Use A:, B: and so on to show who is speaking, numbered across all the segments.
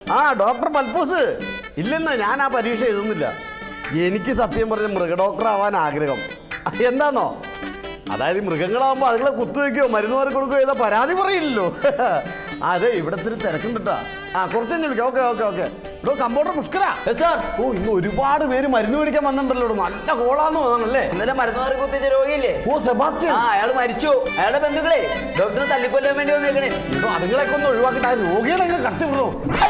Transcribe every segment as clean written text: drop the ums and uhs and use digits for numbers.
A: ആ ഡോക്ടർ പൽപ്പൂസ്. ഇല്ലെന്നാ ഞാൻ ആ പരീക്ഷ എഴുതുന്നില്ല. എനിക്ക് സത്യം പറഞ്ഞ മൃഗ ഡോക്ടർ ആവാൻ ആഗ്രഹം. എന്താണോ, അതായത് മൃഗങ്ങളാകുമ്പോൾ അതുങ്ങളെ കുത്തുവയ്ക്കുകയോ മരുന്ന് മാറി കൊടുക്കുകയോ ചെയ്താൽ പരാതി പറയില്ലല്ലോ. അതെ, ഇവിടെ ഇത്തിരി തിരക്കുണ്ടിട്ടാ. ആ കുറച്ച് കഴിഞ്ഞ് വിളിക്കാം. Okay okay okay. ഇവിടെ കമ്പൗണ്ടർ പുഷ്കര സാർ. ഓ, ഇന്ന് ഒരുപാട് പേര് മരുന്ന് മേടിക്കാൻ വന്നിട്ടുണ്ടല്ലോ. നല്ല കോളാന്ന് തോന്നണല്ലേ.
B: ഇന്നലെ മരുന്ന് മാറി കുത്തിച്ച രോഗിയില്ലേ?
A: ഓ സെബാസ്റ്റ്യൻ.
B: അയാൾ മരിച്ചു. അയാളുടെ ബന്ധുക്കളെ ഡോക്ടറെ തല്ലിക്കൊല്ലാൻ വേണ്ടി വന്നേക്കണേ.
A: അതുങ്ങളൊക്കെ ഒന്ന് ഒഴിവാക്കിട്ട് ആ രോഗികളെ കട്ടിവിടോ.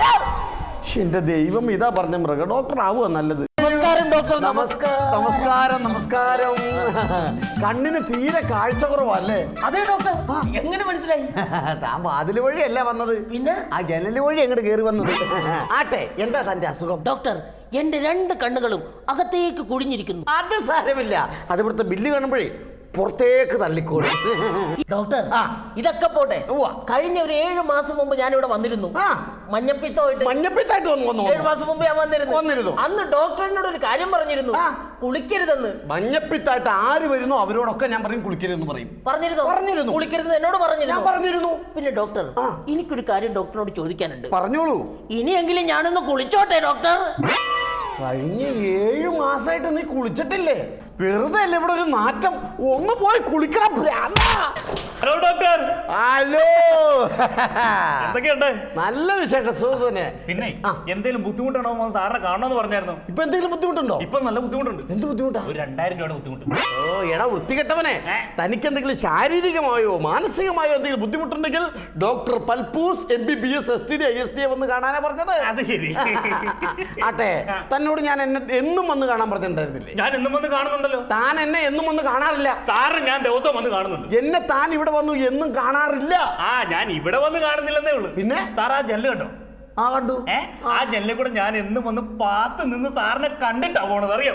A: എന്റെ ദൈവം, ഇതാ പറഞ്ഞ മൃഗ ഡോക്ടർ ആവുക നല്ലത്.
B: നമസ്കാരം ഡോക്ടർ.
A: നമസ്കാരം നമസ്കാരം. കണ്ണിന് തീരെ കാഴ്ച കുറവല്ലേ?
B: അതെ ഡോക്ടർ. എങ്ങനെ മനസ്സിലായി?
A: താൻ വാതില് വഴിയല്ല വന്നത്,
B: പിന്നെ
A: ആ ജനല് വഴി അങ്ങോട്ട് കയറി വന്നത്. ആട്ടെ, എന്താ തന്റെ അസുഖം?
B: ഡോക്ടർ, എന്റെ 2 കണ്ണുകളും അകത്തേക്ക് കുഴിഞ്ഞിരിക്കുന്നു.
A: അത് സാരമില്ല, അത് ഇവിടുത്തെ ബില്ല് കാണുമ്പോഴേ പുറത്തേക്ക് തള്ളിക്കോളും.
B: ഡോക്ടർ, ഇതൊക്കെ പോട്ടെ. കഴിഞ്ഞ ഒരു 7 മാസം മുമ്പ് ഞാൻ ഇവിടെ വന്നിരുന്നു.
A: മഞ്ഞപ്പിത്തായിട്ട് വന്നു.
B: 7 മാസം മുമ്പ് ഞാൻ വന്നിരുന്നു. അന്ന് ഡോക്ടറിനോട് ഒരു കാര്യം പറഞ്ഞിരുന്നു, കുളിക്കരുതെന്ന്.
A: മഞ്ഞപ്പിത്തായിട്ട് ആര് വരുന്നു അവരോടൊക്കെ ഞാൻ പറയും കുളിക്കരുതെന്ന് പറയും.
B: പറഞ്ഞിരുന്നു. കുളിക്കരുത് എന്നോട്
A: പറഞ്ഞിരുന്നു.
B: പിന്നെ ഡോക്ടർ, എനിക്കൊരു കാര്യം ഡോക്ടറിനോട് ചോദിക്കാനുണ്ട്.
A: പറഞ്ഞോളൂ.
B: ഇനിയെങ്കിലും ഞാനൊന്ന് കുളിച്ചോട്ടെ ഡോക്ടർ?
A: കഴിഞ്ഞ 7 മാസമായിട്ട് നീ കുളിച്ചിട്ടില്ലേ? വെറുതെ അല്ലേ ഇവിടെ ഒരു നാറ്റം. ഒന്ന് പോയി കുളിക്കണം.
C: Hello doctor.
A: ഹലോ,
C: എന്തൊക്കെയുണ്ട്?
A: നല്ല വിശേഷം, സുഹൃത്തുനെ.
C: പിന്നെ എന്തെങ്കിലും ബുദ്ധിമുട്ടാണോ സാറിനെ കാണണമെന്ന് പറഞ്ഞായിരുന്നു.
A: ഇപ്പൊ എന്തെങ്കിലും ബുദ്ധിമുട്ടുണ്ടോ?
C: ഇപ്പൊ നല്ല ബുദ്ധിമുട്ടുണ്ട്.
A: എന്ത് ബുദ്ധിമുട്ടാ?
C: ഒരു 2000 രൂപയുടെ ബുദ്ധിമുട്ട്.
A: ഓ എടാ വൃത്തികെട്ടവനെ, തനിക്ക് എന്തെങ്കിലും ശാരീരികമായോ മാനസികമായോ എന്തെങ്കിലും ബുദ്ധിമുട്ടുണ്ടെങ്കിൽ doctor Palpoos MBBS STD ISD വന്ന് കാണാനാ പറഞ്ഞത്.
C: അത് ശരി.
A: ആട്ടെ, തന്നോട് ഞാൻ എന്നും വന്ന് കാണാൻ പറഞ്ഞിട്ടുണ്ടായിരുന്നില്ലേ?
C: ഞാൻ എന്നും വന്ന് കാണുന്നുണ്ടല്ലോ.
A: താൻ എന്നെ എന്നും വന്ന് കാണാറില്ല.
C: സാറ് ഞാൻ ദിവസം വന്ന് കാണുന്നുണ്ട്.
A: എന്നെ താൻ ഇവിടെ വന്നു എന്നും കാണാറില്ല.
C: ഞാൻ ഇവിടെ വന്ന് കാണുന്നില്ലെന്നേ ഉള്ളൂ.
A: പിന്നെ
C: സാർ ആ ജനല് കണ്ടോ?
A: കണ്ടു.
C: ആ ജനലിൽ കൂടെ ഞാൻ എന്നും വന്ന് പാത്ത് നിന്ന് സാറിനെ കണ്ടിട്ടാ പോണത്, അറിയാം.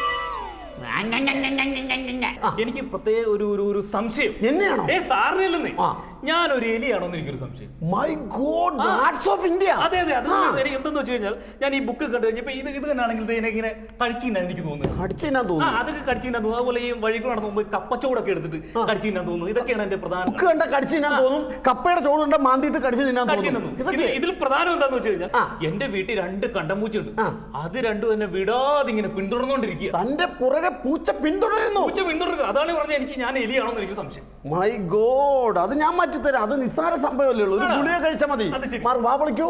C: എനിക്ക് പ്രത്യേക ഒരു സംശയം.
A: എന്നെയാണോ?
C: സാറിനല്ലെന്നേ, ഞാനൊരു എലിയാണോന്ന് എനിക്കൊരു സംശയം.
A: My god, gods of India.
C: അതെ അതെ, അത് എനിക്ക് എന്തെന്ന് വെച്ച് കഴിഞ്ഞാൽ ഞാൻ ഈ ബുക്ക് കണ്ടു കഴിഞ്ഞപ്പോ ഇത് തന്നെയാണെങ്കിൽ ഇങ്ങനെ കടിച്ചിന്നാണ് എനിക്ക് തോന്നുന്നത്. അതൊക്കെ കടിച്ചിന്നാ തോന്നുന്നു. അതുപോലെ ഈ വഴിക്ക് നടന്നു പോകുമ്പോൾ കപ്പച്ചോടൊക്കെ എടുത്തിട്ട് കടിച്ചിന്നാ തോന്നുന്നു. ഇതൊക്കെയാണ് എന്റെ പ്രധാന.
A: ബുക്ക് കണ്ട കടിച്ചിന്നാ തോന്നും, കപ്പയുടെ ചോട് കണ്ട മാന്തിയിട്ട് കടിച്ചു തിന്നാൻ തോന്നും.
C: ഇതിൽ പ്രധാനം എന്താന്ന് വെച്ച് കഴിഞ്ഞാൽ എന്റെ വീട്ടിൽ 2 കണ്ടമ്പൂച്ചുണ്ട്. അത് രണ്ടും എന്നെ വിടാതെ ഇങ്ങനെ പിന്തുടർന്നോണ്ടിരിക്കുക.
A: തന്റെ പുറകെ പൂച്ച പിന്തുടരുന്നു.
C: അതാണ് പറഞ്ഞ ഞാൻ എലിയാണോന്ന് എനിക്ക് സംശയം.
A: മൈ ഗോഡ്, അത് ഞാൻ മാറ്റിത്തരാം. അത് നിസ്സാര സംഭവമല്ലേ ഉള്ളൂ. ഒരു ഗുളിക കഴിച്ചാൽ മതി. വാ വിളിക്കൂ.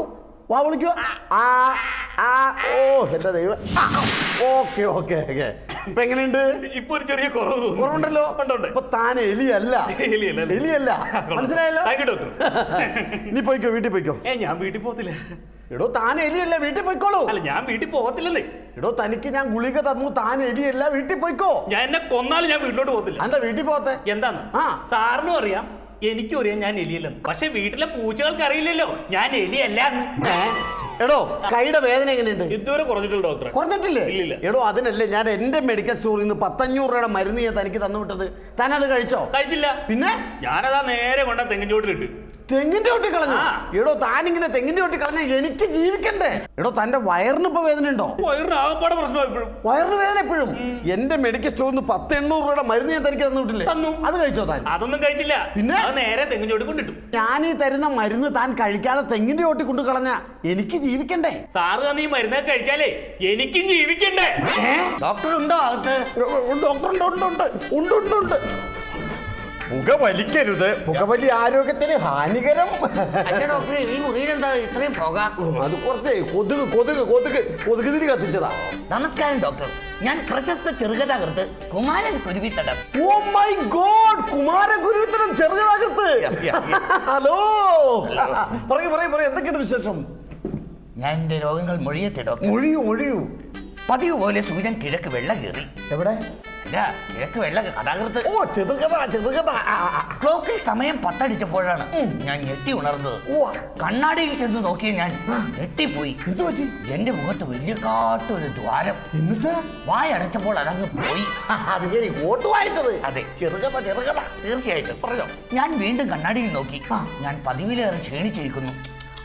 A: ഓ എന്റെ ദൈവം. Okay okay okay. ഇപ്പൊ എങ്ങനെയുണ്ട്?
C: ഇപ്പൊ ഒരു ചെറിയ കുറവുണ്ടല്ലോ.
A: ഇപ്പൊ താൻ എലിയല്ല. മനസ്സിലായല്ലോ? നീ പോയിക്കോ, വീട്ടിൽ പോയിക്കോ.
C: ഞാൻ വീട്ടിൽ പോകത്തില്ല.
A: എടോ താൻ എലിയല്ല, വീട്ടിൽ പോയിക്കോളൂ.
C: അല്ല, ഞാൻ വീട്ടിൽ പോകത്തില്ലെന്നേ.
A: എടോ തനിക്ക് ഞാൻ ഗുളിക തന്നു, താൻ എലിയല്ല, വീട്ടിൽ പോയിക്കോ.
C: ഞാൻ എന്നെ കൊന്നാലും ഞാൻ വീട്ടിലോട്ട് പോകത്തില്ല.
A: എന്താ വീട്ടിൽ പോകത്തെ?
C: എന്താന്ന് സാറിനും അറിയാം, എനിക്കും അറിയാം ഞാൻ എലിയല്ലെന്ന്. പക്ഷെ വീട്ടിലെ പൂച്ചകൾക്ക് അറിയില്ലല്ലോ ഞാൻ എലിയല്ല എന്ന്.
A: എടോ കൈയുടെ വേദന എങ്ങനെയുണ്ട്?
C: ഇതുവരെ കുറഞ്ഞിട്ടില്ല ഡോക്ടർ.
A: കുറഞ്ഞിട്ടില്ലേ?
C: ഇല്ല.
A: എടോ അതിനല്ലേ ഞാൻ എന്റെ മെഡിക്കൽ സ്റ്റോറിൽ നിന്ന് 500 രൂപയുടെ മരുന്ന് ഞാൻ തനിക്ക് തന്നു വിട്ടത്. താൻ അത് കഴിച്ചോ?
C: കഴിച്ചില്ല.
A: പിന്നെ
C: ഞാനതാ നേരെ കൊണ്ട തെങ്ങിൻ ചോട്ടിലിട്ട്.
A: തെങ്ങിന്റെ ചോട്ടി കളഞ്ഞു? എടോ താനിങ്ങനെ തെങ്ങിന്റെ ചോട്ടി കളഞ്ഞ എനിക്ക് ജീവിക്കണ്ടേ? എടോ തന്റെ വയറിന് ഇപ്പൊ വേദന ഉണ്ടോ?
C: വയറിന് പ്രശ്നം എപ്പോഴും.
A: വയറിന് വേദന എപ്പോഴും? എന്റെ മെഡിക്കൽ സ്റ്റോറിൽ നിന്ന് 800 രൂപയുടെ മരുന്ന് ഞാൻ തനിക്ക് തന്നു വിട്ടില്ലേ?
C: തന്നു.
A: അത് കഴിച്ചോ താൻ?
C: അതൊന്നും കഴിച്ചില്ല.
A: പിന്നെ
C: നേരെ തെങ്ങിൻ ചോട്ടി കൊണ്ടിട്ടു.
A: ഞാൻ ഈ തരുന്ന മരുന്ന് താൻ കഴിക്കാതെ തെങ്ങിന്റെ ചോട്ടി കൊണ്ടു കളഞ്ഞ എനിക്ക് ജീവിക്കണ്ടേ?
C: സാറ് തന്നെ ഈ മരുന്നൊക്കെ കഴിച്ചാലേ എനിക്കും ജീവിക്കണ്ടേ?
B: ഡോക്ടർ ഉണ്ടോ അകത്ത്?
A: ഡോക്ടർ ഉണ്ട്. പുകവലിക്കരുത്, പുകവലി ആരോഗ്യത്തിന് ഹാനികരം.
B: ഡോക്ടർ, ഈ മുറിയിൽ എന്താ ഇത്രയും പുക?
A: അത് കുറച്ച് കൊതുക് തിരി കത്തിച്ചതാ.
B: നമസ്കാരം ഡോക്ടർ, ഞാൻ പ്രശസ്ത ചെറുകഥാകൃത്ത് Kumaran Kuruvithadam.
A: Oh my god, Kumaran Kuruvithadam ചെറുകഥാകൃത്ത്. ഹലോ, പറയൂ എന്തൊക്കെയാണ് വിശേഷം?
B: ഞാൻ എന്റെ രോഗങ്ങൾ മൊഴിയട്ടെ ഡോക്ടർ.
A: മൊഴിയൂ.
B: പതിവ് പോലെ സൂര്യൻ കിഴക്ക് വെള്ള കയറി.
A: എവിടെ?
B: കിഴക്ക് വെള്ള കഥാകൃത്ത്.
A: ഓ ചെറുകഥ.
B: ക്ലോക്കിൽ സമയം 10 അടിച്ചപ്പോഴാണ് ഞാൻ ഞെട്ടി ഉണർന്നത്. കണ്ണാടിയിൽ ചെന്ന് നോക്കിയ ഞാൻ ഞെട്ടിപ്പോയി.
A: എന്ത് പറ്റി?
B: എന്റെ മുഖത്ത് വലിയ കാട്ടൊരു ദ്വാരം.
A: എന്നിട്ട്
B: വായടച്ചപ്പോൾ അതങ്ങ് പോയി.
A: അത് ശരി, ഓട്ടുവായിട്ടത്.
B: അതെ,
A: ചെറുകഥ.
B: തീർച്ചയായിട്ടും. ഞാൻ വീണ്ടും കണ്ണാടിയിൽ നോക്കി. ഞാൻ പതിവിലേറെ ക്ഷീണിച്ചിരിക്കുന്നു.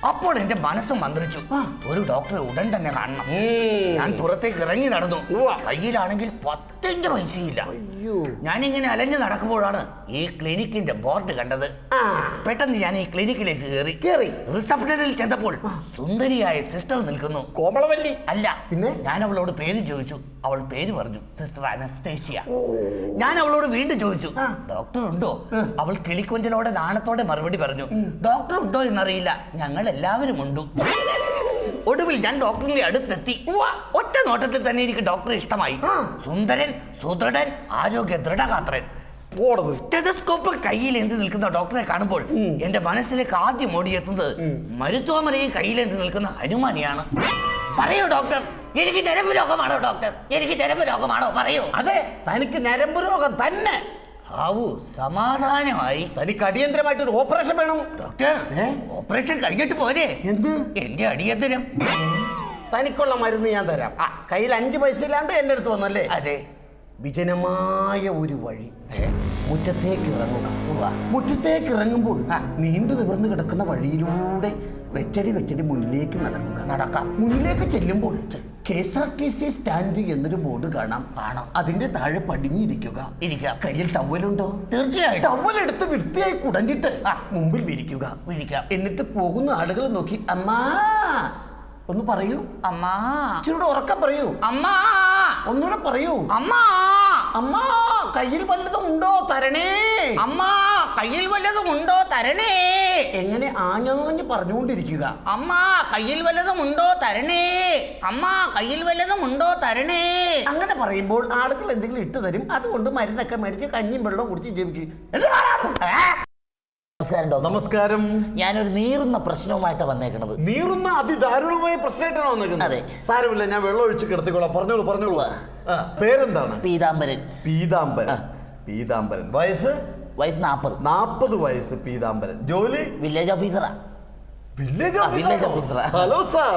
B: അപ്പോൾ എന്റെ മനസ്സ് മന്ത്രിച്ചു, ഒരു ഡോക്ടറെ ഉടൻ തന്നെ കാണണം. ഞാൻ പുറത്തേക്ക് ഇറങ്ങി നടന്നു. കയ്യിലാണെങ്കിൽ 10 പൈസയില്ല. ഞാനിങ്ങനെ അലഞ്ഞു നടക്കുമ്പോഴാണ് ഈ ക്ലിനിക്കിന്റെ ബോർഡ് കണ്ടത്. പെട്ടെന്ന് ഞാൻ ഈ ക്ലിനിക്കിലേക്ക് കയറി റിസപ്ഷനിൽ ചെന്നപ്പോൾ സുന്ദരിയായ സിസ്റ്റർ നിൽക്കുന്നു.
A: കോമളവല്ലി
B: അല്ല,
A: പിന്നെ
B: ഞാൻ അവളോട് പേര് ചോദിച്ചു. അവൾ പേര് പറഞ്ഞു, സിസ്റ്റർ അനസ്തേഷ്യ. ഞാൻ അവളോട് വീണ്ടും ചോദിച്ചു, ഡോക്ടർ ഉണ്ടോ? അവൾ കിളിക്കൊഞ്ചലോടെ നാണത്തോടെ മറുപടി പറഞ്ഞു, ഡോക്ടർ ഉണ്ടോ എന്നറിയില്ല, ഞങ്ങൾ എല്ലാവരും ഉണ്ട്. ഒടുവിൽ ഞാൻ ഡോക്ടറിന്റെ അടുത്തെത്തി. ഒറ്റ നോട്ടത്തിൽ തന്നെ എനിക്ക് ഡോക്ടറെ ഇഷ്ടമായി. സുന്ദരൻ, സുദൃഢൻ, ആരോഗ്യ ദൃഢഗാത്രൻ. സ്റ്റെതസ്കോപ്പ് കയ്യിലേന്തി നിൽക്കുന്ന ഡോക്ടറെ കാണുമ്പോൾ എന്റെ മനസ്സിലേക്ക് ആദ്യം ഓടിയെത്തുന്നത് മരുത്വാമലയെ കയ്യിലേന്തി നിൽക്കുന്ന ഹനുമാനെയാണ്. പറയൂ ഡോക്ടർ, എനിക്ക് ഞരമ്പ് രോഗമാണോ ഡോക്ടർ? എനിക്ക് ഞരമ്പ് രോഗമാണോ? പറയൂ.
A: അതെ, തനിക്ക് ഞരമ്പ് രോഗം തന്നെ.
B: ആവൂ, സമാധാനമായി.
A: തനിക്ക് അടിയന്തരമായിട്ട് ഒരു ഓപ്പറേഷൻ വേണം
B: ഡോക്ടർ. ഓപ്പറേഷൻ കഴിഞ്ഞിട്ട് പോരെ?
A: എന്ത്?
B: എന്റെ അടിയന്തരം.
A: തനിക്കുള്ള മരുന്ന് ഞാൻ തരാം. കയ്യിൽ 5 പൈസ ഇല്ലാണ്ട് എന്റെ അടുത്ത് വന്നല്ലേ?
B: അതെ.
A: വിജനമായ ഒരു വഴി, മുറ്റത്തേക്ക് ഇറങ്ങുക. മുറ്റത്തേക്ക് ഇറങ്ങുമ്പോൾ നീണ്ടു നിവർന്നു കിടക്കുന്ന വഴിയിലൂടെ വെച്ചടി മുന്നിലേക്ക് നടക്കാം. മുന്നിലേക്ക് ചെല്ലുമ്പോൾ KSRTC സ്റ്റാൻഡ് എന്നൊരു ബോർഡ് കാണാം. അതിന്റെ താഴെ പടിഞ്ഞിരിക്കുക. കയ്യിൽ ടവലുണ്ടോ?
B: തീർച്ചയായും.
A: ടവൽ എടുത്ത് വൃത്തിയായി കുടഞ്ഞിട്ട് മുമ്പിൽ വിരിക്കുക. എന്നിട്ട് പോകുന്ന ആളുകൾ നോക്കി അമ്മാ ഒന്ന് പറയൂ.
B: അമ്മാ.
A: ഇച്ചിരൂടെ ഉറക്കം പറയൂ.
B: അമ്മാ.
A: ഒന്നുകൂടെ പറയൂ.
B: അമ്മാ.
A: അമ്മാ, കയ്യിൽ വല്ലതും ഉണ്ടോ? തരണേ.
B: അമ്മാ, കയ്യിൽ വല്ലതും ഉണ്ടോ? തരണേ.
A: എങ്ങനെ ആഞ്ഞാഞ്ഞ് പറഞ്ഞുകൊണ്ടിരിക്കുക.
B: അമ്മാ, കയ്യിൽ വല്ലതും ഉണ്ടോ? തരണേ. അമ്മാ, കയ്യിൽ വല്ലതും ഉണ്ടോ? തരണേ.
A: അങ്ങനെ പറയുമ്പോൾ ആളുകൾ എന്തെങ്കിലും ഇട്ട് തരും. അതുകൊണ്ട് മരുന്നൊക്കെ മേടിച്ച് കഞ്ഞിയും വെള്ളവും കുടിച്ച് ജീവിക്കും. നമസ്കാരം.
B: ഞാനൊരു നീറുന്ന പ്രശ്നവുമായിട്ട് വന്നേക്കണത്.
A: നീറുന്ന അതിദാരുണമായ പ്രശ്നമായിട്ടാണ് വന്നേക്കുന്നത്.
B: അതെ.
A: സാരമില്ല, ഞാൻ വെള്ളം ഒഴിച്ച് കിടത്തിക്കോളാം. പറഞ്ഞോളൂ. പേരെന്താണ്?
B: പീതാംബരൻ.
A: പീതാംബരൻ. വയസ്സ് 40 വയസ്സ്. പീതാംബരൻ. ജോലി?
B: വില്ലേജ് ഓഫീസറാ.
A: വില്ലേജ്
B: ഓഫീസറാ.
A: Hello sir.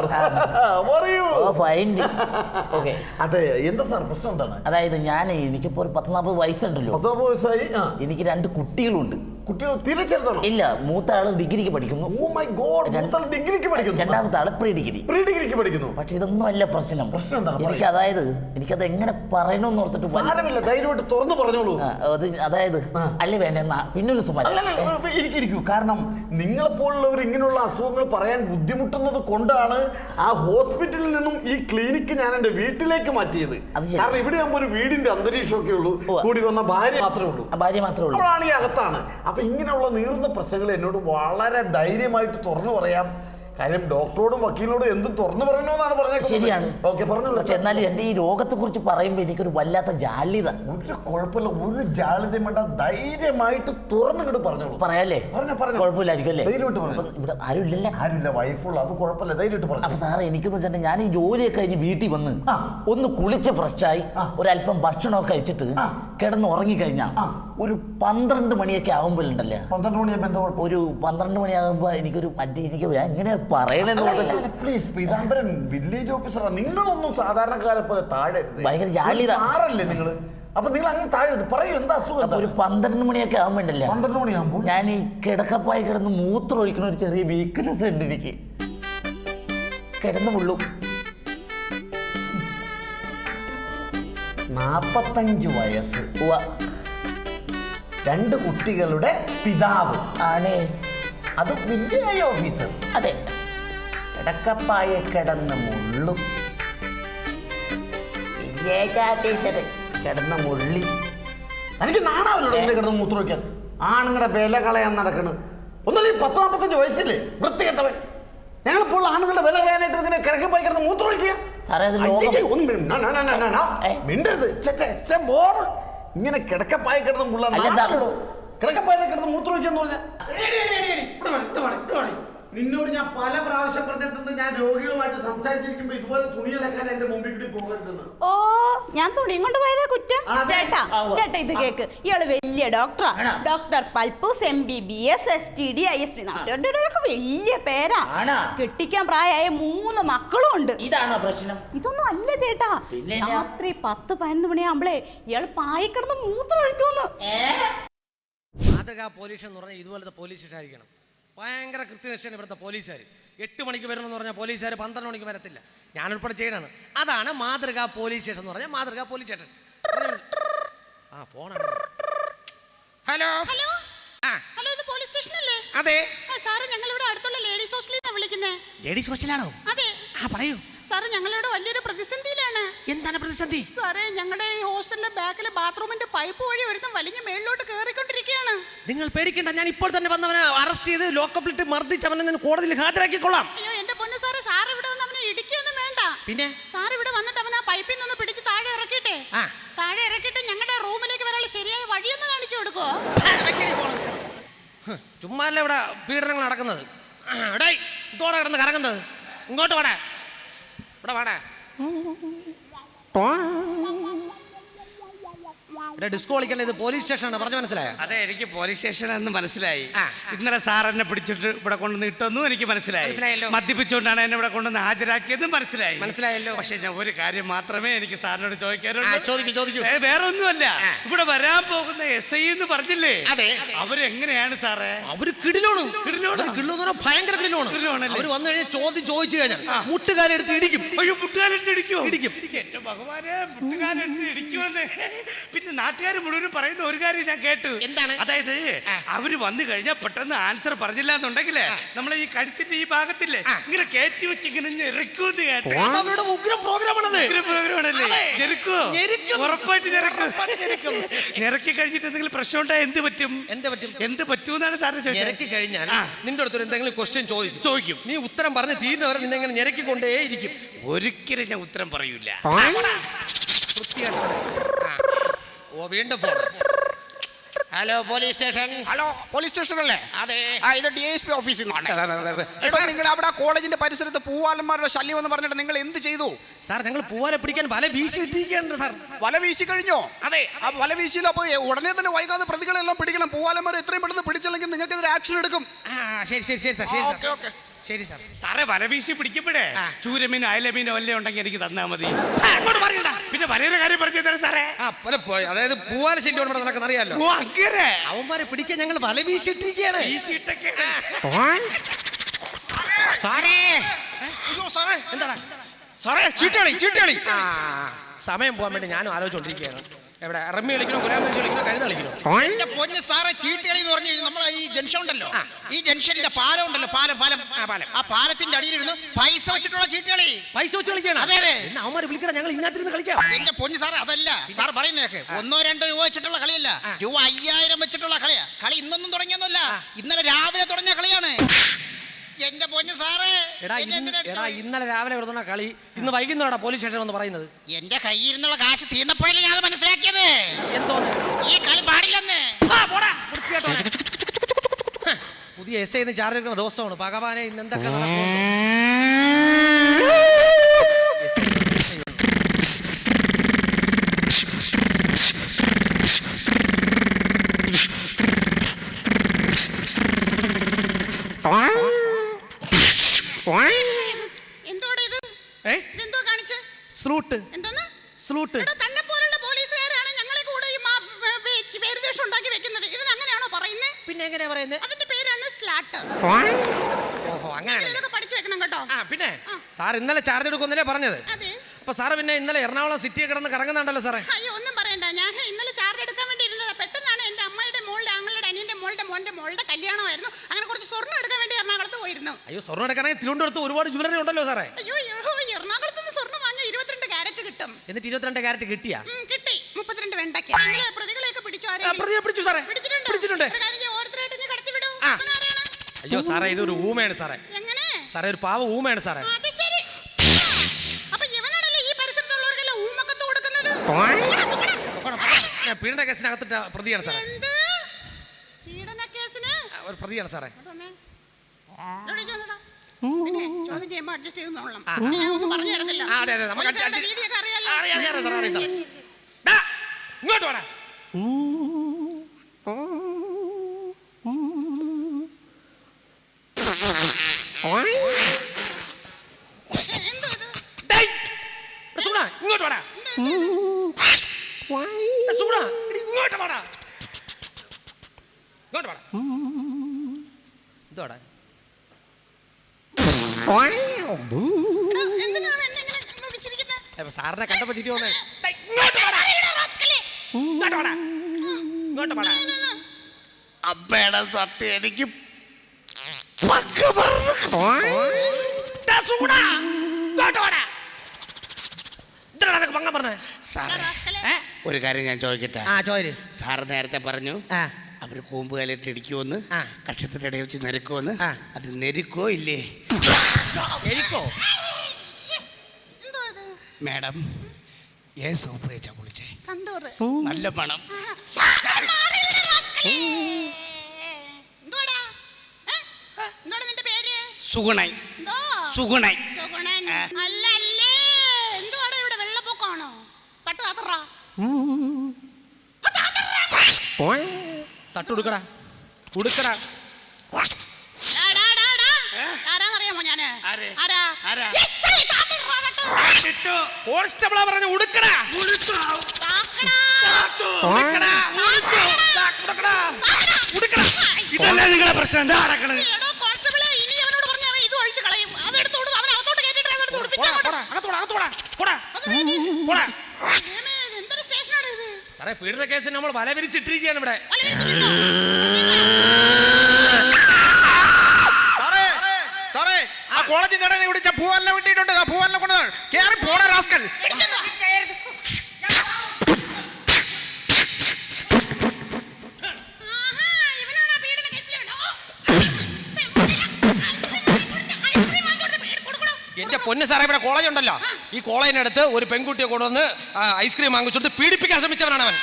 B: ഓക്കെ.
A: അതെ, എന്താ സാർ പ്രശ്നം എന്താണ്?
B: അതായത് എനിക്കിപ്പോ ഒരു 10-40 വയസ്സുണ്ടല്ലോ.
A: 40 വയസ്സായി.
B: എനിക്ക് 2 കുട്ടികളുണ്ട്.
A: കുട്ടികൾ തീരെ ചെറുതാണോ?
B: ഇല്ല, മൂത്ത ആള് ഡിഗ്രിക്ക് പഠിക്കുന്നു.
A: ഓ മൈ ഗോഡ്, ഡിഗ്രിക്ക് പഠിക്കുന്നു.
B: രണ്ടാമത്തെ ആള് പ്രീ ഡിഗ്രിക്ക് പഠിക്കുന്നു. പക്ഷെ ഇതൊന്നും അല്ല പ്രശ്നം. എനിക്കത് എങ്ങനെ പറയണമെന്ന് ഓർത്തിട്ട്
A: ധൈര്യമായിട്ട് തുറന്നു പറഞ്ഞോളൂ.
B: അതായത് അല്ലേ വേണ്ട പിന്നൊരു
A: ഇരിക്കൂ. കാരണം നിങ്ങളെപ്പോലുള്ളവർ ഇങ്ങനെയുള്ള അസുഖങ്ങൾ പറയാൻ ബുദ്ധിമുട്ടുന്നത് കൊണ്ടാണ് ആ ഹോസ്പിറ്റലിൽ നിന്നും ഈ ക്ലിനിക്ക് ഞാൻ എന്റെ വീട്ടിലേക്ക് മാറ്റിയത്. കാരണം ഇവിടെ ആകുമ്പോൾ ഒരു വീടിന്റെ അന്തരീക്ഷമൊക്കെ ഉള്ളൂ. കൂടി വന്ന ഭാര്യ മാത്രമേ ഉള്ളൂ. അവളാണ് ഈ അകത്താണ്. അപ്പൊ ഇങ്ങനെയുള്ള നീറുന്ന പ്രശ്നങ്ങൾ എന്നോട് വളരെ ധൈര്യമായിട്ട് തുറന്നു പറയാം. കാര്യം ഡോക്ടറോടും വക്കീലിനോടും എന്തും തുറന്നു പറയണമെന്നാണ് പറഞ്ഞത്.
B: ശരിയാണ്.
A: ഓക്കെ, പറഞ്ഞോളൂ.
B: പക്ഷെ എന്നാലും എന്റെ ഈ രോഗത്തെ കുറിച്ച് പറയുമ്പോൾ എനിക്കൊരു വല്ലാത്ത ജാള്യത.
A: ഒരു കുഴപ്പമില്ല, ഒരു ജാള്യതയും വേണ്ട. ധൈര്യമായിട്ട് തുറന്നിട്ട് പറഞ്ഞോളൂ.
B: പറയാല്ലേ? കുഴപ്പമില്ലായിരിക്കും അല്ലേ?
A: ധൈര്യമായിട്ട് പറഞ്ഞു.
B: ഇവിടെ ആരുമില്ല,
A: വൈഫുള്ള. അത് കുഴപ്പമില്ല, ധൈര്യമായിട്ട് പറഞ്ഞു.
B: അപ്പൊ സാറേ, എനിക്കെന്ന് വെച്ചാൽ ഞാൻ ഈ ജോലിയൊക്കെ കഴിഞ്ഞ് വീട്ടിൽ വന്ന് ഒന്ന് കുളിച്ച് ഫ്രഷായി ഒരല്പം ഭക്ഷണമൊക്കെ കഴിച്ചിട്ട് കിടന്ന് ഉറങ്ങിക്കഴിഞ്ഞാൽ ഒരു 12 മണിയൊക്കെ ആകുമ്പോഴുണ്ടല്ലേ,
A: 12 മണിയാകുമ്പോൾ എന്താ
B: ഒരു 12 മണിയാകുമ്പോ എനിക്കൊരു എനിക്ക് എങ്ങനെ പറയണെന്ന്
A: പ്ലീസ്. പീതാംബരൻ വില്ലേജ് ഓഫീസറാ. നിങ്ങളൊന്നും സാധാരണക്കാരെ പോലെ താഴെ
B: ഭയങ്കര ജാള്യത
A: സാറല്ലേ നിങ്ങള്. അപ്പൊ നിങ്ങൾ അങ്ങനെ താഴെ പറയൂ, എന്താ അസുഖം?
B: ഒരു 12 മണിയൊക്കെ ആകുമ്പോണ്ടല്ലേ,
A: 12 മണിയാകുമ്പോൾ
B: ഞാൻ ഈ കിടക്കപ്പായി കിടന്ന് മൂത്രം ഒഴിക്കുന്ന ഒരു ചെറിയ വീക്ക്നെസ് ഉണ്ട് എനിക്ക്. കിടന്നു മുള്ളും.
A: 45 വയസ്സ്. 2 കുട്ടികളുടെ പിതാവ്
B: ആണേ.
A: അത് വില്ലേജ് ഓഫീസർ.
B: അതെ.
A: കിടക്കപ്പായ കിടന്ന് മുള്ളും. കിടന്ന മുള്ളി. എനിക്ക് നാണാവല്ലോ കിടന്ന് മൂത്രം വയ്ക്കാൻ. ആണുങ്ങളുടെ വില കളയാൻ നടക്കണ്. ഒന്നല്ലേ 10-45 വയസ്സില്ലേ വൃത്തികെട്ടവൻ. ഞങ്ങളിപ്പോൾ ആണുങ്ങളുടെ വില കളയാനായിട്ട് ഇങ്ങനെ കിടക്കപ്പായി കിടന്ന് മൂത്രം ഒഴിക്കുക. മിണ്ടരുത്. ഇങ്ങനെ കിടക്കപ്പായ കിടന്ന് മുള്ള കിടക്കപ്പായ കിടന്ന് മൂത്രം ഒഴിക്കാന്ന് പറഞ്ഞാൽ നിന്നോട് ഞാൻ പല പ്രാവശ്യം പറഞ്ഞിട്ടുണ്ട്. ഞാൻ രോഗികളുമായിട്ട് സംസാരിച്ചിരിക്കുമ്പോ ഇതുപോലെ തുണി അലക്കാൻ എന്റെ മുമ്പിൽ കൂടി പോകരുതെന്ന്.
D: ഓ, ഞാൻ തുണിയും കൊണ്ട് പോയതാ കുറ്റം. ചേട്ടാ ഇത് കേക്ക്. ഇയാള് വലിയ ഡോക്ടറാ. Doctor Palpoos MBBS STD ISD ഒക്കെ വലിയ പേരാ. കെട്ടിക്കാൻ പ്രായമായ 3 മക്കളും ഉണ്ട്.
B: ഇതാണോ പ്രശ്നം?
D: ഇതൊന്നും അല്ല ചേട്ടാ. രാത്രി 10-11 മണിയാകുമ്പളേ ഇയാള് പായിക്കിടന്ന് മൂത്രം ഒഴിക്കുന്നു.
E: മാതൃകാ പോലീസ് എന്ന് പറഞ്ഞാൽ ഇതുപോലത്തെ പോലീസ് സ്റ്റേഷൻ ആയിരിക്കണം. ഭയങ്കര കൃത്യനിഷ്ഠയാണ് ഇവിടുത്തെ പോലീസുകാർ. 8 മണിക്ക് വരണമെന്ന് പറഞ്ഞാൽ പോലീസുകാർ 12 മണിക്ക് വരത്തില്ല. ഞാനുൾപ്പെടെ ചെയ്യണതാണ്. അതാണ് മാതൃകാ പോലീസ് സ്റ്റേഷൻ എന്ന് പറഞ്ഞാൽ മാതൃകാ പോലീസ് സ്റ്റേഷൻ. ആ ഫോണാണ്. ഹലോ
D: ഹലോ
E: ആ
D: ഹലോ, ഇത് പോലീസ് സ്റ്റേഷൻ അല്ലേ?
E: അതെ.
D: സാറ് ഞങ്ങൾ ഇവിടെ അടുത്തുള്ള ലേഡീസ് ഹോസ്റ്റലിൽ നിന്നാണ് വിളിക്കുന്നത്.
E: ലേഡീസ് ഹോസ്റ്റലാണോ?
D: അതെ.
E: ആ പറയൂ.
D: സാറ് ഞങ്ങളിവിടെ വലിയൊരു പ്രതിസന്ധിയിലാണ്.
E: എന്താണ് പ്രതിസന്ധി?
D: സാറേ, ഞങ്ങളുടെ ഈ ഹോസ്റ്റലിലെ ബാക്കിലെ ബാത്റൂമിന്റെ പൈപ്പ് വഴി ഒരുത്തം വലിഞ്ഞ് മേളിലോട്ട് കയറിക്കൊണ്ടിരിക്കുകയാണ്.
E: നിങ്ങൾ പേടിക്കണ്ട, ഞാൻ ഇപ്പോൾ തന്നെ വന്നവനെ അറസ്റ്റ് ചെയ്ത് ലോക്കപ്പിലിട്ട് മർദ്ദിച്ച് അവനെ ഞാൻ കോടതിയിൽ ഹാജരാക്കിക്കൊള്ളാം.
D: അയ്യോ എന്റെ പൊന്നു സാറേ, സാർ ഇവിടെ വന്ന് അവനെ ഇടിക്കൊന്നും വേണ്ട.
E: പിന്നെ
D: സാർ ഇവിടെ വന്നിട്ട് അവൻ ആ പൈപ്പിൽ നിന്ന് പിടിച്ച് താഴെ ഇറക്കിട്ടെ, താഴെ ഇറക്കിയിട്ട് ഞങ്ങളുടെ റൂമിലേക്ക് വരാനുള്ള ശരിയായ വഴിയൊന്ന് കാണിച്ചു കൊടുക്കോ?
E: ചുമ്മാല്ല ഇവിടെ പീഡനങ്ങൾ നടക്കുന്നത്. ഇതോടെ കിടന്ന് കറങ്ങുന്നത്. ഇങ്ങോട്ട് വാടാ, ഇവിടെ വാടാ. ഇവിടെ ഡിസ്കോ കളിക്കല്ലേ, ഇത് പോലീസ് സ്റ്റേഷനാണ്. പറഞ്ഞു മനസ്സിലായോ?
F: അതെ, എനിക്ക് പോലീസ് സ്റ്റേഷനാണെന്ന് മനസ്സിലായി. ഇന്നലെ സാർ എന്നെ പിടിച്ചിട്ട് ഇവിടെ കൊണ്ടുവന്ന് ഇട്ടെന്നും എനിക്ക് മനസ്സിലായല്ലോ. മദ്യപിച്ചുകൊണ്ടാണ് എന്നെ ഇവിടെ കൊണ്ടുവന്ന് ഹാജരാക്കിയതും മനസ്സിലായല്ലോ. പക്ഷെ ഞാൻ ഒരു കാര്യം മാത്രമേ എനിക്ക് സാറിനോട് ചോദിക്കാറുള്ളൂ. വേറെ ഒന്നുമല്ല, ഇവിടെ വരാൻ പോകുന്ന SI എന്ന് പറഞ്ഞില്ലേ, അവരെങ്ങനെയാണ് സാറേ?
E: അവര് കിടിലോണ്. ഭയങ്കര കിടിലോണ്. അവര് വന്നു കഴിഞ്ഞാൽ ചോദിച്ചു കഴിഞ്ഞാൽ മുട്ടുകാലെടുത്ത് ഇടിക്കും.
F: മുട്ടുകാലെടുത്ത് ഇടിക്കും. എന്റെ ഭഗവാനെ, മുട്ടുകാലെടുത്ത് ഇടിക്കുമെന്ന്. പിന്നെ നാട്ടുകാർ മുഴുവൻ പറയുന്ന ഒരു കാര്യം ഞാൻ കേട്ടു.
E: എന്താണ്?
F: അതായത് അവര് വന്നു കഴിഞ്ഞാൽ പെട്ടെന്ന് ആൻസർ പറഞ്ഞില്ല എന്നുണ്ടെങ്കിലേ നമ്മളെ ഈ കഴുത്തിന്റെ ഈ ഭാഗത്തില്ലേ ഇങ്ങനെ കയറ്റി വെച്ച് ഇങ്ങനെ ഞെരുക്കൂന്ന് കേട്ടു.
E: അവരുടെ ഉഗ്രം പ്രോഗ്രാമാണത്.
F: പ്രോഗ്രാമാണല്ലേ? ഉറപ്പായിട്ട് ഞെരക്കി കഴിഞ്ഞിട്ട് എന്തെങ്കിലും പ്രശ്നം ഉണ്ടായാൽ എന്ത് പറ്റൂന്നാണ് സാറിന് ചോദിച്ചത്.
E: ഞെരക്കി കഴിഞ്ഞാൽ നിന്റെ അടുത്തൊരു എന്തെങ്കിലും ക്വസ്റ്റ്യൻ ചോദിക്കും. നീ ഉത്തരം പറഞ്ഞ് തീരുന്നവരെ നിന്നെ ഇങ്ങനെ ഞെരക്കിക്കൊണ്ടേ ഇരിക്കും.
F: ഒരിക്കലും ഞാൻ ഉത്തരം പറയൂല.
E: ഓ, വീണ്ടും phone. Hello police station.
G: Hello police station അല്ലേ?
E: അതെ.
G: ഇത് DSP ഓഫീസിൽ നിന്നാണ്. നിങ്ങൾ അവിടെ കോളേജിന്റെ പരിസരത്ത് പൂവാലന്മാരുടെ ശല്യം എന്ന് പറഞ്ഞിട്ട് നിങ്ങൾ എന്ത് ചെയ്തു?
E: സാർ, ഞങ്ങൾ പൂവാലെ പിടിക്കാൻ വല വീശി ഇട്ടിരിക്കുകയാണ് സാർ.
G: വല വീശി കഴിഞ്ഞോ?
E: അതെ.
G: ആ വല വീശിയില്ല. അപ്പോൾ ഉടനെ തന്നെ വൈകാതെ പ്രതികളെല്ലാം പിടിക്കണം. പൂവാലന്മാരെ എത്രയും പെട്ടെന്ന് പിടിച്ചില്ലെങ്കിൽ നിങ്ങൾക്കെതിരെ ആക്ഷൻ എടുക്കും.
E: ശരി സാർ.
F: സാറേ, വല വീശി പിടിക്കപ്പെടേ ചൂരമീനോ അയലമീനോ വല്ല ഉണ്ടെങ്കിൽ എനിക്ക് തന്നാ മതി. പിന്നെ വലയുടെ കാര്യം പറഞ്ഞു തരാം സാറേ.
E: അതായത് പൂവാല ശല്യം നടക്കുന്ന അറിയാലോ.
F: അങ്ങനെ
E: അവന്മാരെ പിടിക്കാൻ ഞങ്ങൾ വല വീശിട്ടിരിക്കുകയാണ്.
G: എന്താണ് സാറേ? ചീട്ടുകളി.
E: സമയം പോകാൻ വേണ്ടി ഞാനും ആലോചിച്ചോണ്ടിരിക്കുകയാണ്. എവിടെ റമ്മി കളിക്കണോ, കുരാമ്പ് കളിക്കണോ, കഴുത കളിക്കണോ?
G: എന്റെ പൊന്ന് സാറേ, ചീട്ടുകളി എന്ന് പറഞ്ഞു നമ്മളെ ഈ ജംഗ്ഷൻ ഉണ്ടല്ലോ, ഈ ജംഗ്ഷനിന്റെ പാലം ഉണ്ടല്ലോ, പാലം. ആ പാലത്തിന്റെ അടിയിലിരുന്ന് പൈസ വെച്ചിട്ടുള്ള ചീട്ടുകളി.
E: പൈസ വെച്ച് കളിക്കണം.
G: അതെ.
E: അവന്മാര് വിളിക്കണം, ഞങ്ങൾ ഇതിനകത്തിരുന്ന് കളിക്കാം.
G: എന്റെ പൊന്ന് സാറേ, അതല്ല സാർ പറയുന്നേക്ക്. 1-2 രൂപ വെച്ചിട്ടുള്ള കളിയല്ല, രൂപ 5000 വെച്ചിട്ടുള്ള കളിയാ. കളി ഇന്നൊന്നും തുടങ്ങിയൊന്നുമല്ല, ഇന്നലെ രാവിലെ തുടങ്ങിയ കളിയാണ്. എന്റെ പൊന്ന് സാറേ,
E: ഇന്നലെ രാവിലെ കൊടുക്കുന്ന കളി ഇന്ന് വൈകുന്നേരം പോലീസ് സ്റ്റേഷൻ എന്ന് പറയുന്നത്.
G: എന്റെ കയ്യിൽ നിന്നുള്ള കാശ് തീർന്നപ്പോഴല്ലേ ഞാൻ മനസ്സിലാക്കിയത്.
E: എന്തോന്ന്
G: ഈ കളി പാടില്ലെന്ന്.
E: പുതിയ SI ചാർജ് എടുക്കുന്ന ദിവസമാണ്. ഭഗവാനെ, ഇന്ന് എന്തൊക്കെ നടക്കും? സ്ലൂട്ട്.
D: തന്നെ പോലുള്ള പോലീസുകാരാണ് ഞങ്ങളെ കൂടെ ഈ പേരുദോഷം ഉണ്ടാക്കി വെക്കുന്നത്. ഇതിനങ്ങനെയാണോ പറയുന്നത്?
E: പിന്നെ എങ്ങനെയാ പറയുന്നത്?
D: അതിന്റെ പേരാണ് സ്ലാട്ട്.
E: ഓഹോ, അങ്ങനെ.
D: ഇതൊക്കെ പഠിച്ചു വെക്കണം കേട്ടോ.
E: പിന്നെ സാർ ഇന്നലെ ചാർജ് എടുക്കുന്നല്ലേ പറഞ്ഞത്?
D: അതെ.
E: അപ്പൊ സാറ് പിന്നെ ഇന്നലെ എറണാകുളം സിറ്റിയെ കിടന്ന് കറങ്ങുന്നുണ്ടല്ലോ സാറേ.
D: അയ്യോ, ഒന്നും പറയണ്ട. ഞാൻ ഇന്നലെ ചാർജ് എടുക്കാൻ വേണ്ടി ഇരുന്നതാ. പെട്ടെന്നാണ് എന്റെ അമ്മയുടെ മോളുടെ ആങ്ങളുടെ അനിയന്റെ മോളുടെ കല്യാണമായിരുന്നു. അങ്ങനെ കുറച്ച് സ്വർണ്ണം എടുക്കാൻ വേണ്ടി എറണാകുളത്ത് പോയിരുന്നു.
E: അയ്യോ, സ്വർണ്ണം എടുക്കണമെങ്കിൽ തിരുവനന്തപുരത്ത് ഒരുപാട് ജ്വല്ലറി ഉണ്ടല്ലോ സാറേ.
D: അയ്യോ, എറണാകുളത്ത് നിന്ന് സ്വർണ്ണം വാങ്ങിയ 22 കാരറ്റ് കിട്ടും.
E: എന്നിട്ട് 22 കാരറ്റ് കിട്ടിയാ?
D: കിട്ടി. 32 വെണ്ടയ്ക്ക്. നിങ്ങളെ പ്രതികളെയൊക്കെ പിടിച്ചോ?
E: പിടിച്ചു സാറേ, പിടിച്ചിട്ടുണ്ട്.
D: ഓരോരുത്തരായിട്ട് നീ കടത്തി വിടൂ.
E: അയ്യോ സാറേ, ഇതൊരു ഊമയാണ് സാറേ.
D: എങ്ങനെ
E: സാറേ, ഒരു പാവ ഊമയാണ് സാറേ.
D: അത് ശരി. അപ്പൊ ഇവനാണല്ലേ ഈ പരിസരത്തുള്ളവർക്കെല്ലാം ഊമക്കത്ത് കൊടുക്കുന്നത്?
E: ഞാൻ പീഡന കേസിനകത്തിട്ട പ്രതിയാണ് സാറേ.
D: എന്ത് പീഡന കേസിന്?
E: ഒരു പ്രതിയാണ് സാറേ.
D: പിന്നെ ചോദ്യം ചെയ്യുമ്പോ അഡ്ജസ്റ്റ് ചെയ്ത് നോളാം. ഞാൻ ഒന്നും പറഞ്ഞു തരുന്നില്ല. രീതിയൊക്കെ അറിയാലോ.
E: ഇങ്ങോട്ട് വേണം. ഇങ്ങോട്ട് വേണം. ഇങ്ങോട്ട് വേണം. ഇതോടെ സാറിനെ കണ്ടപ്പോ ചിരി വന്നേ.
F: അമ്മയുടെ സത്യം എനിക്ക് ഒരു കാര്യം ഞാൻ ചോദിക്കട്ടെ? സാറ് നേരത്തെ പറഞ്ഞു അവര് കൂമ്പുകാലിട്ട് ഇടിക്കുമെന്ന്, കക്ഷത്തിന്റെ ഇടയിൽ വെച്ച് നെരുക്കുമെന്ന്. അത് നെരുക്കോ ഇല്ലേ? മാഡം ഏത് സോപ്പ് തേച്ചാ കുളിച്ചേ? നല്ല പണം. സുഗുണൈ. സുഗുണൈ.
E: തട്ടുടുക്കടാ, ഉടുക്കടാ.
G: ആരാന്നറിയാമോ ഞാന്?
F: ആരെ?
G: ആരാ?
F: ആരാ?
E: കോൺസ്റ്റബിളാ പറഞ്ഞു ഉടുക്കടാ.
F: ഇതല്ലേ നിങ്ങളെ പ്രശ്നം? എന്താ നടക്കണത്?
E: സാറേ, പീഡന കേസിന് നമ്മൾ വല വിരിച്ചിട്ടിരിക്കുകയാണ് ഇവിടെ.
G: സാറേ, ആ കോളേജിന്റെ ഇടയിൽ വിളിച്ച പൂവലിനെ വിട്ടിട്ടുണ്ട്. ആ പൂവലിനെ കൊണ്ട് കേറി പോണ റാസ്കൽ.
E: എന്റെ പൊന്ന് സാറേ, ഇവിടെ കോളേജ് ഉണ്ടല്ലോ, ഈ കോളേജിനടുത്ത് ഒരു പെൺകുട്ടിയെ കൊണ്ടുവന്ന് ഐസ്ക്രീം വാങ്ങിച്ചെടുത്ത് പീഡിപ്പിക്കാൻ ശ്രമിച്ചവനാണ് അവൻ.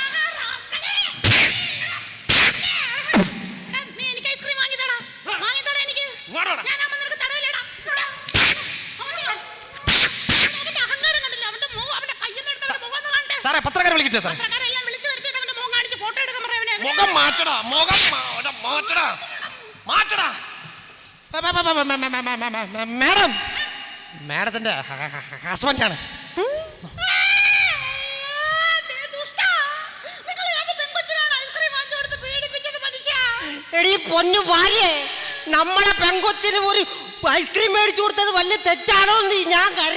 E: സാറേ, പത്രക്കാരെ വിളിക്കട്ടെ സാറേ? മുഖം മാറ്റടാ, മുഖം മാറ്റടാ, മാറ്റടാ. മാഡം, മാഡത്തിന്റെ ഹസ്ബൻഡാണ്.
H: എടീ പൊന്നു ഭാര്യേ, നമ്മളെ പെങ്കൊച്ചിന് ഒരു ഐസ്ക്രീം മേടിച്ചു കൊടുത്തത് വലിയ തെറ്റാണോ എന്ന് ഞാൻ